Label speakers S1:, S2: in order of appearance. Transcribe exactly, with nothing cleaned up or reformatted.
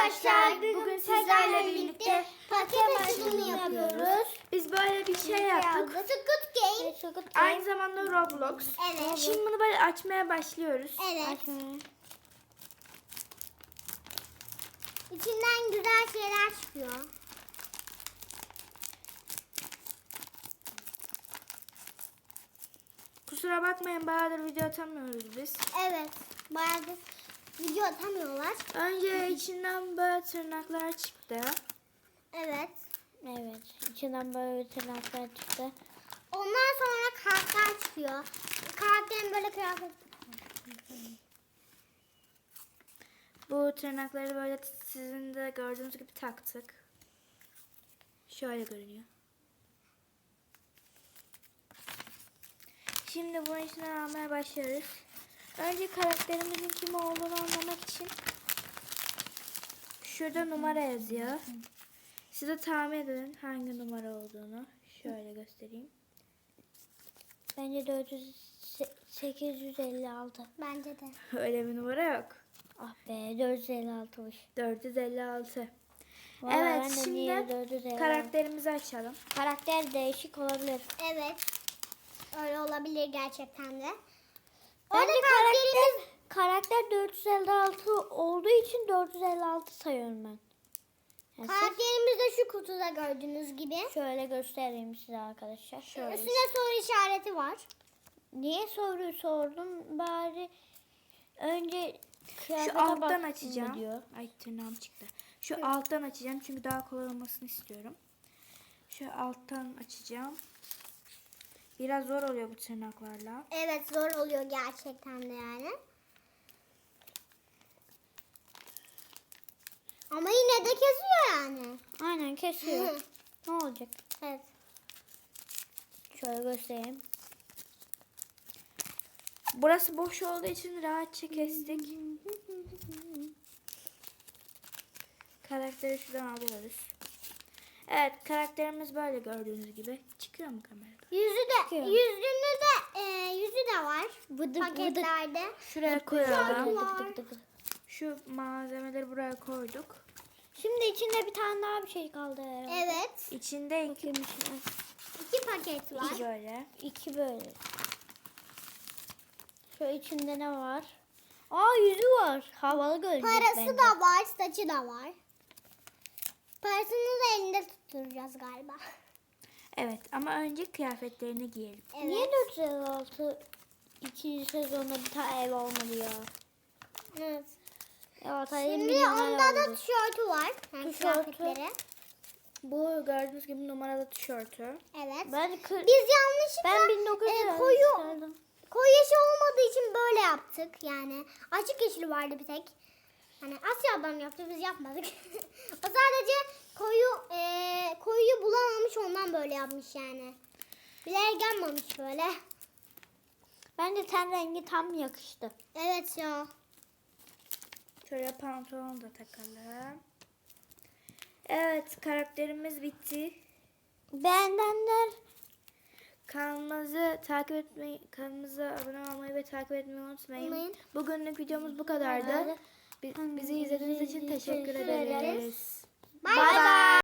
S1: arkadaşlar, bugün sizlerle birlikte paket açılımı yapıyoruz.
S2: Biz böyle bir şey yaptık.
S1: Squid Game.
S2: Aynı zamanda Roblox.
S1: Evet.
S2: Şimdi bunu böyle açmaya başlıyoruz.
S1: Evet. İçinden güzel şeyler çıkıyor.
S2: Kusura bakmayın, bayağıdır video atamıyoruz biz.
S1: Evet. Bayağıdır video atamıyorlar.
S2: Önce içinden böyle tırnaklar çıktı.
S1: Evet.
S3: Evet. İçinden böyle tırnaklar çıktı.
S1: Ondan sonra karakter çıkıyor. Karakterin böyle kıyafet.
S2: Bu tırnakları böyle sizin de gördüğünüz gibi taktık. Şöyle görünüyor. Şimdi bunun içinden almaya başlıyoruz. Önce karakterimizin kim olduğunu anlamak için şurada numara yazıyor. Siz de tahmin edin hangi numara olduğunu. Şöyle göstereyim.
S3: Bence dört yüz sekiz yüz elli altı.
S1: Bence de.
S2: Öyle bir numara yok.
S3: Ah be, dört yüz elli altıymış.
S2: dört yüz elli altı.
S3: Vallahi ben
S2: Evet,
S3: de
S2: şimdi
S3: niye dört yüz elli altı?
S2: karakterimizi açalım.
S3: Karakter değişik olabilir.
S1: Evet. Öyle olabilir gerçekten de.
S3: Bence
S1: Orada
S3: karakter, karakter dört yüz elli altı olduğu için dört yüz elli altı sayıyorum ben. Yani siz-
S1: Karakterimiz de şu kutuda gördüğünüz gibi.
S3: şöyle göstereyim size arkadaşlar.
S2: Şöyle.
S1: Üstünde soru işareti var.
S3: Niye soruyu sordum? Bari önce
S2: Şu
S3: kıyafete
S2: alttan
S3: baktın mı
S2: açacağım.
S3: diyor.
S2: Ay, tırnağım çıktı. Şu alttan açacağım çünkü daha kolay olmasını istiyorum. Şu alttan açacağım. Biraz zor oluyor bu tırnaklarla.
S1: Evet, zor oluyor gerçekten de yani. Ama yine de kesiyor yani.
S3: Aynen kesiyor. Ne olacak?
S1: Evet.
S3: Şöyle göstereyim.
S2: Burası boş olduğu için rahatça kestik. Karakteri şuradan alıyoruz. Evet, karakterimiz böyle gördüğünüz gibi. Çıkıyor mu kamerada?
S1: Yüzü de,
S3: Çıkıyor.
S1: yüzünü de, e, yüzü de var
S3: Vıdık
S1: paketlerde.
S2: Şuraya koyalım.
S1: Var.
S3: Dık dık dık.
S2: Şu malzemeleri buraya koyduk.
S3: Şimdi içinde bir tane daha bir şey kaldı herhalde.
S1: Evet.
S2: İçinde iki,
S3: Bakayım içine.
S1: İki paket var.
S2: iki böyle.
S3: İki böyle. Şu içinde ne var? Aa, yüzü var. Havalı gözlük
S1: Parası
S3: bence.
S1: da var, saçı da var. Parasını da elinde tutturacağız galiba.
S2: Evet, ama önce kıyafetlerini giyelim.
S1: Evet.
S3: Niye dört yüz elli altı ikinci sezonda bir tane ev olmadı ya?
S1: Evet.
S3: Ya tabii
S1: Şimdi
S3: milyonlar
S1: onda da
S3: oldu.
S1: tişörtü var. Yani
S3: Tişörtü.
S1: kıyafetleri.
S2: Bu gördüğünüz gibi numaralı tişörtü.
S1: Evet.
S3: Ben kır...
S1: Biz yanlışlıkla
S3: ben bin dokuz yüz
S1: e, koyu
S3: isterdim.
S1: koyu yeşil olmadığı için böyle yaptık. Yani açık yeşil vardı bir tek. Hani Asya'dan yaptı, biz yapmadık. O sadece koyu e, koyuyu bulamamış, ondan böyle yapmış yani. Bilerek gelmemiş böyle.
S3: Bence ten rengi tam yakıştı.
S1: Evet ya.
S2: Şöyle pantolon da takalım. Evet, karakterimiz bitti.
S3: Beğenenler
S2: Kanalımızı takip etmeyi, kanalımıza abone olmayı ve takip etmeyi unutmayın.
S1: Unutmayın.
S2: Bugünlük videomuz bu kadardı. Bi- Bizi izlediğiniz için teşekkür
S3: Teşekkür ederiz.
S2: ederiz.
S1: Bay
S3: Bay
S1: bay.